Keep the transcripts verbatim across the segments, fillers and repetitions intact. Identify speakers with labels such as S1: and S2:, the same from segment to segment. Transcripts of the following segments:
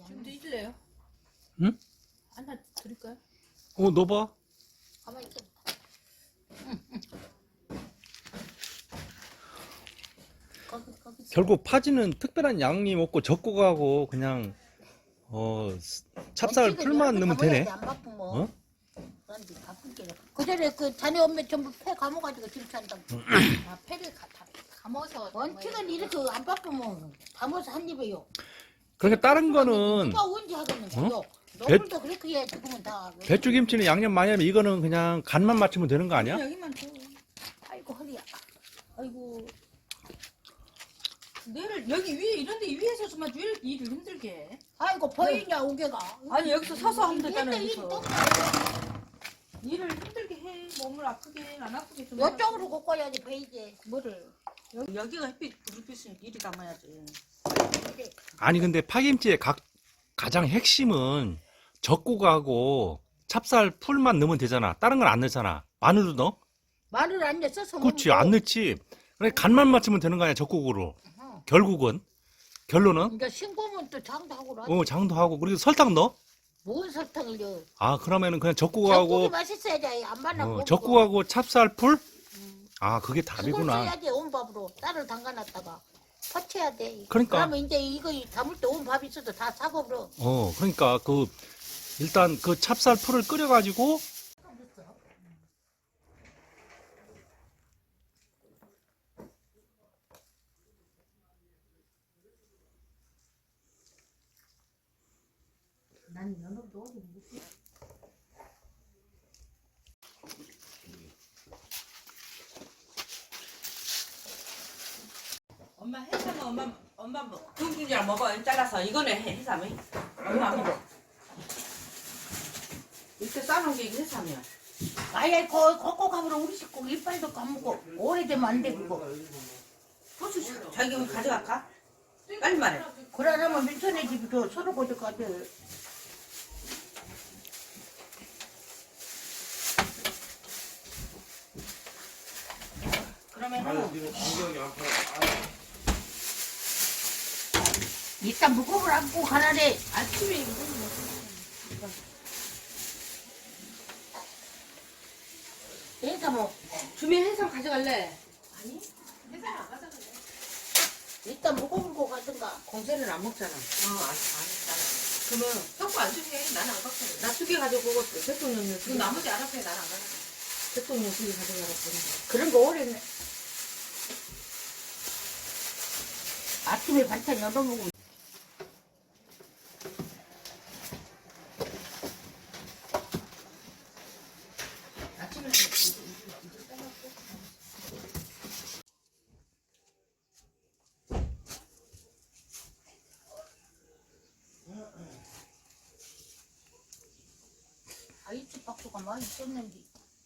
S1: 좀 드실래요?
S2: 응?
S1: 하나 드릴까요?
S2: 어, 넣어봐.
S3: 가만히 있어. 거기 거기 있어.
S2: 결국 파지는 특별한 양념 없고 적고가고 그냥 어 찹쌀
S3: 원칙은
S2: 풀만
S3: 이렇게
S2: 넣으면
S3: 가만히
S2: 되네.
S3: 안 바쁘면
S2: 어?
S3: 그런데 바쁜 게 그전에 그 자네 엄마 전부 폐 감아가지고 김치한다고.
S1: 아, 패를 가, 다 감아서.
S3: 원칙은 이렇게 안 바쁘면 담아서 한 입에요.
S2: 그러니까 다른 거는
S3: 누가 언제 하겠는데요?
S2: 어?
S3: 너물도 그렇게 해 죽으면 다.
S2: 배추김치는 양념 많이 하면 이거는 그냥 간만 맞추면 되는 거 아니야?
S1: 여기만 줘.
S3: 아이고 허리야. 아이고.
S1: 뇌를 여기 위에 이런데 위에서 좀 일을, 일을 힘들게 해.
S3: 아이고 보이냐 우개가.
S1: 아니 여기서 서서 하면 되잖아.
S3: 일도
S1: 여기서.
S3: 일도
S1: 일을 힘들게 해. 몸을 아프게 안 아프게 좀.
S3: 이쪽으로 꺾어야지 보이지.
S1: 뭐를? 여기, 여기가 햇빛 불빛이니까 이리 담아야지.
S2: 아니 근데 파김치의 각, 가장 핵심은 적고가고 찹쌀 풀만 넣으면 되잖아. 다른 건 안 넣잖아. 마늘도 넣어?
S3: 마늘 안 넣어서
S2: 그렇지 안 넣지. 그래 간만 맞추면 되는 거 아니야 적고으로.
S3: 어.
S2: 결국은 결론은
S3: 이제 싱거우면 또 장도 하고 그러지.
S2: 어 장도 하고 그리고 설탕 넣어?
S3: 뭔 설탕을 넣어.
S2: 아 그러면은 그냥
S3: 젓국이
S2: 적고가고
S3: 맛있어야지. 안 만나
S2: 어,
S3: 먹고.
S2: 적고가고 찹쌀 풀?
S3: 음.
S2: 아 그게
S3: 그걸
S2: 답이구나.
S3: 써야지 온 밥으로. 쌀을 담가놨다가 퍼쳐야 돼.
S2: 그러니까.
S3: 그러면 이제 이거 담을 때 온 밥 있어도 다 사고버려.
S2: 어 그러니까 그 일단 그 찹쌀 풀을 끓여가지고
S3: 난 연어도 어디 못
S1: 엄마 해삼은 엄마 엄마 뭐 둥둥이랑 먹어. 잘라서 이거는 해, 해삼이. 엄마 먹어. 이렇게 싸놓은 게 이게 해삼이야.
S3: 아예 거 kokkok하면 우리 식구 이빨도 까먹고 오래되면 안 돼 그거.
S1: 고추 자기 여기 가져갈까? 빨리 말해.
S3: 그러려면 민선의 집도 서로 고집까지. 그러면은 이따 무거움을 안고 가라래.
S1: 아침에 이거
S3: 그러니까 뭐
S1: 주미 해삼 가져갈래? 아니 해삼 안 가져갈래.
S3: 이따 무거운 거 가든가.
S1: 공세는 안 먹잖아. 어, 안, 안 했잖아. 그러면 섞고 안 주게. 나는 안 갖고. 나 두 개 가져오고 대통령님 두 개. 나머지 알아서 해. 나는 안 가져가. 대통령 두 개 가져가라.
S3: 그런 거 오래네. 아침에 반찬 여러 먹으면 아침에 아이스 박스가 많이 썼는데.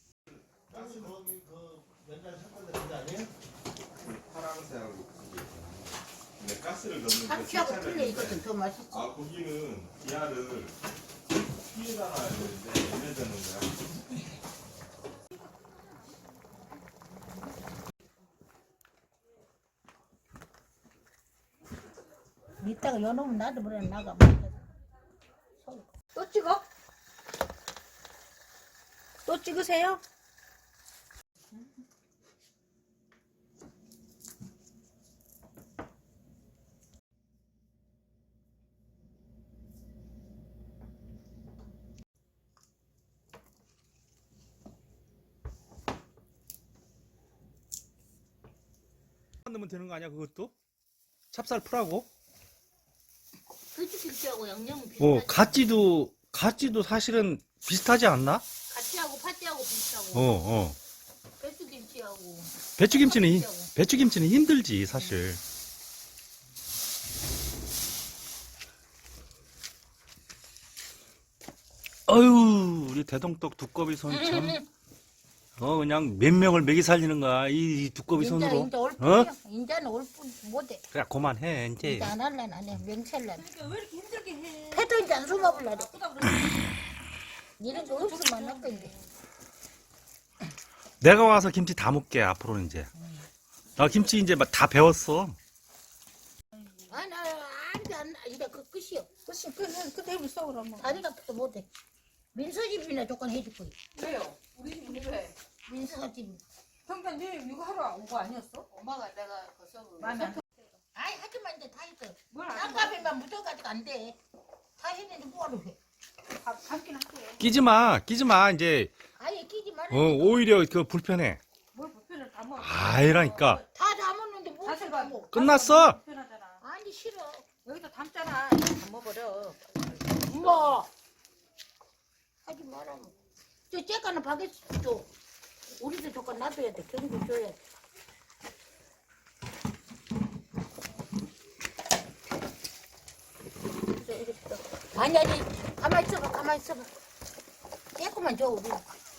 S4: 근데 가스를 넣는
S3: 참치하고 틀려 이것은 더 맛있어.
S4: 아 거기는 기아를 피에다 놔야 되는데 얘네들는 거야.
S3: 이따가 여놓으면 나도 모르 나가.
S1: 또 찍어? 또 찍으세요?
S2: 넣으면 되는 거 아니야 그것도? 찹쌀 풀하고?
S3: 배추김치하고 양념은 비슷하지.
S2: 어 갓지도 갓지도 사실은 비슷하지 않나?
S3: 같이하고 파티하고 비슷하고.
S2: 어 어.
S3: 배추김치하고.
S2: 배추김치는 히- 배추김치는 힘들지 사실. 어유 우리 대동떡 두꺼비 손 참. 어 그냥 몇 명을 먹이 살리는 거야 이, 이 두꺼비
S3: 인자
S2: 손으로.
S3: 인자 올
S2: 어?
S3: 뿐이야. 인자는 올뿐 못해.
S2: 그래 그만해 이제.
S3: 인자 안 할래 안 해. 명찰래.
S1: 그러니까 왜 이렇게 힘들게 해?
S3: 패도 인자 안 숨어볼래.
S1: 아프다 그러지.
S3: 이런 거 없으면 안 할 건데.
S2: 내가 와서 김치 다 먹게 앞으로는 이제. 나 김치 이제 막 다 배웠어.
S3: 아나 안돼 안 이거 이제 그 끝이요.
S1: 그치, 그, 그 테이블 써, 그러면.
S3: 다리가 또 못해. 민서 집이나 조건 해줄 거야.
S1: 왜요? 우리 집은 왜?
S3: 민서가 집.
S1: 평균 니 이거 하러 온 거 아니었어?
S3: 엄마가 내가 그 서브.
S1: 마음에 안
S3: 아이 하지만 이제 다 했어.
S1: 뭘 안 해?
S3: 쌍값에만 묻어가지고 안 돼. 다 했는데 뭐하러 해?
S1: 감- 감긴 할게.
S2: 끼지 마, 끼지 마. 이제
S3: 아예 끼지 말아.
S2: 어, 오히려 그 불편해.
S1: 뭘 불편을 다 먹어.
S2: 아이라니까.
S3: 다 담았는데 뭐
S1: 다시 봐.
S3: 하고?
S2: 끝났어.
S1: 불편하잖아.
S3: 아니 싫어.
S1: 여기다 담잖아. 이거 담아버려.
S3: 뭐 하지 마라. 저 째가는 바게트 줘. 우리도 조건 놔둬야 돼. 경고 줘야 돼. 저 이렇게 또. 아니 아니 가만히 있어봐. 가만히 있어봐. 째고만 줘 우리.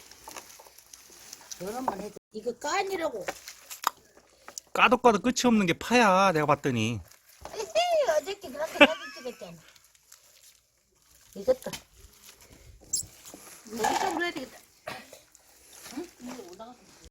S3: 저런만 해도 이거 깐이라고.
S2: 까도 까도 끝이 없는 게 파야. 내가 봤더니.
S3: 에헤이 어저께 그렇게 사진 찍었잖아. 이것도.
S1: 여기 좀 해야 되겠다.